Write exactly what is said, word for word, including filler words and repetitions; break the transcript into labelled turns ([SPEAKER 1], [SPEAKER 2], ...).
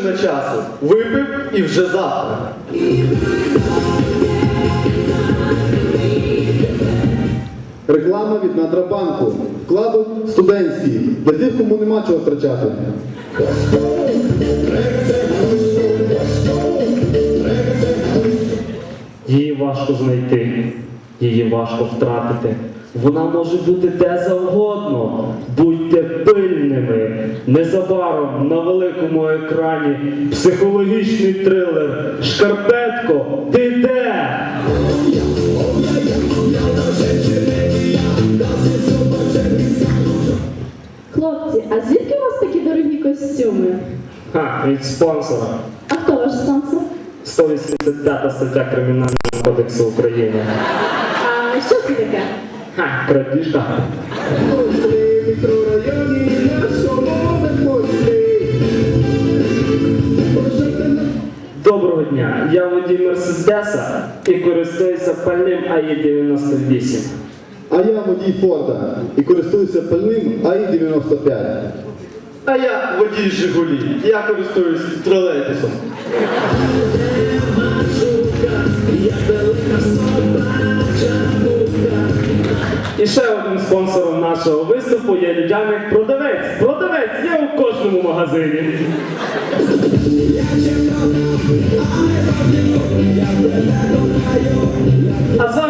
[SPEAKER 1] машина часу. Випив і вже завтра.
[SPEAKER 2] Реклама від Натрабанку. Вкладок студентський. Для тих, кому нема чого втрачати.
[SPEAKER 3] Її важко знайти, її важко втратити. Вона може бути де завгодно. Будьте пильними. Незабаром на великому екрані психологічний трилер «Шкарпетко, ти де?».
[SPEAKER 4] Хлопці, а звідки у вас такі дорогі костюми?
[SPEAKER 3] Ха, від спонсора.
[SPEAKER 4] А хто ваш спонсор?
[SPEAKER 3] сто вісімдесят п'ята стаття Кримінального кодексу України.
[SPEAKER 4] А що це таке?
[SPEAKER 3] Ха, крадіжка. Доброго дня, я водій Мерседеса і користуюся пальним А І дев'яносто вісім.
[SPEAKER 2] А я водій Форда і користуюся пальним А І дев'яносто п'ять.
[SPEAKER 1] А я водій Жигулі. Я користуюсь тролейбусом.
[SPEAKER 3] І ще одним спонсором нашого виступу є людяник продавець. Продавець є у кожному магазині. А з вами